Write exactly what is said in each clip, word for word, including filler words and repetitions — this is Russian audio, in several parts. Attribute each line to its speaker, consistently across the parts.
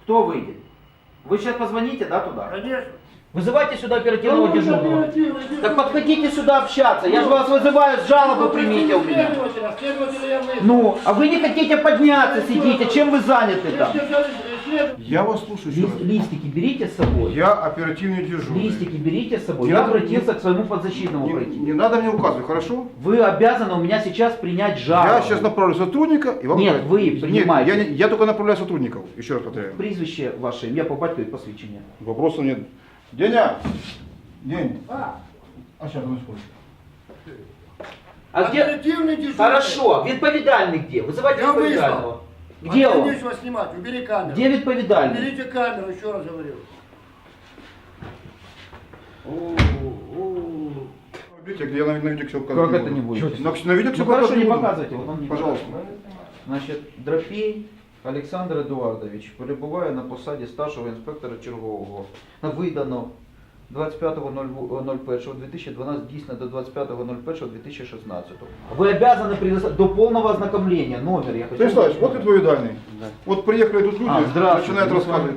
Speaker 1: Кто выйдет? Вы сейчас позвоните, да, туда?
Speaker 2: Конечно.
Speaker 1: Вызывайте сюда оперативного
Speaker 2: Ну,
Speaker 1: дежурного.
Speaker 2: оперативный
Speaker 1: Так
Speaker 2: дежурный.
Speaker 1: подходите сюда общаться. Я же вас вызываю, с жалобу примите у меня.
Speaker 2: Следователя, следователя я вызвал.
Speaker 1: Ну, а вы не хотите подняться, сидите. Чем вы заняты
Speaker 2: Вы
Speaker 1: там?
Speaker 2: сказали, следователь.
Speaker 3: Я вас слушаю еще
Speaker 1: Лист-
Speaker 3: раз.
Speaker 1: листики берите с собой.
Speaker 3: Я оперативный дежурный.
Speaker 1: Листики берите с собой.
Speaker 3: Я-
Speaker 1: Я обратился к своему подзащитному
Speaker 3: Не,
Speaker 1: пройти.
Speaker 3: не надо мне указывать, хорошо?
Speaker 1: Вы обязаны у меня сейчас принять жалобу.
Speaker 3: Я сейчас направлю сотрудника и вам...
Speaker 1: Нет, вы
Speaker 3: Нет,
Speaker 1: принимаете.
Speaker 3: я, не- я только направляю сотрудников. Еще раз повторяю.
Speaker 1: Прізвище ваше, ім'я по батькові, посвідчення.
Speaker 3: Вопросов нет. Деня! День.
Speaker 2: А,
Speaker 3: А сейчас, ну сколько?
Speaker 1: А где?
Speaker 2: оперативный дежурный.
Speaker 1: Хорошо, відповідальний где? Вызывайте
Speaker 2: Я
Speaker 1: відповідального.
Speaker 2: вызвал.
Speaker 1: Где
Speaker 2: А
Speaker 1: он?
Speaker 2: мне нечего снимать, убери камеру.
Speaker 1: Где відповідальний?
Speaker 2: Уберите камеру, еще раз говорю.
Speaker 3: Видите, где я на, на видео все показываю.
Speaker 1: Как это не будет?
Speaker 3: На, на видео все
Speaker 1: Ну хорошо, не
Speaker 3: буду.
Speaker 1: показывайте. Вот он не
Speaker 3: Пожалуйста.
Speaker 1: показывает. Значить, Драпій Олександр Едуардович перебуває на посаді старшого інспектора чергового. Видано двадцять п'ятого першого дві тисячі дванадцятого, дійсно до двадцять п'ятого першого дві тисячі шістнадцятого. Ви обязаны предоставить до полного ознакомления номер. Я хочу...
Speaker 3: Станиславович, вот ответственный. Вот приехали тут люди,
Speaker 1: А, здравствуйте.
Speaker 3: начинают рассказывать.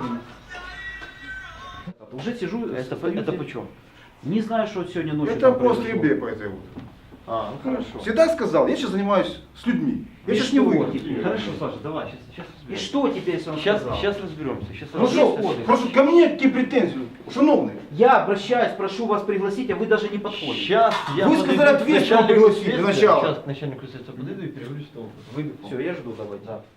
Speaker 1: Уже сижу.
Speaker 4: Это,
Speaker 1: стою
Speaker 4: это
Speaker 1: здесь.
Speaker 4: почем?
Speaker 1: Не знаю, что сегодня ночью
Speaker 3: Это
Speaker 1: там
Speaker 3: после
Speaker 1: произошло.
Speaker 3: ебе по этой вот.
Speaker 4: А, ну хорошо.
Speaker 3: Всегда сказал, я сейчас занимаюсь с людьми. Я
Speaker 1: И
Speaker 3: сейчас
Speaker 1: что
Speaker 3: не выйду.
Speaker 1: теперь?
Speaker 4: Хорошо, Саша, давай, сейчас, сейчас
Speaker 1: И
Speaker 4: разберемся.
Speaker 1: что теперь, если он
Speaker 4: Сейчас,
Speaker 1: сказал?
Speaker 4: сейчас разберемся. Сейчас
Speaker 3: Ну
Speaker 4: разберемся.
Speaker 3: что, просто ко мне какие претензии? Шановные.
Speaker 1: Я обращаюсь, прошу вас пригласить, а вы даже не подходите.
Speaker 4: Сейчас я
Speaker 3: Вы
Speaker 4: подойду
Speaker 3: сказали,
Speaker 4: к
Speaker 3: ответственного
Speaker 4: начальнику
Speaker 3: пригласить для
Speaker 4: следствия,
Speaker 3: начала.
Speaker 4: Сейчас к начальнику следствия подойду и переговорю с тобой. Вы...
Speaker 1: Все, я жду, давайте.
Speaker 4: Да.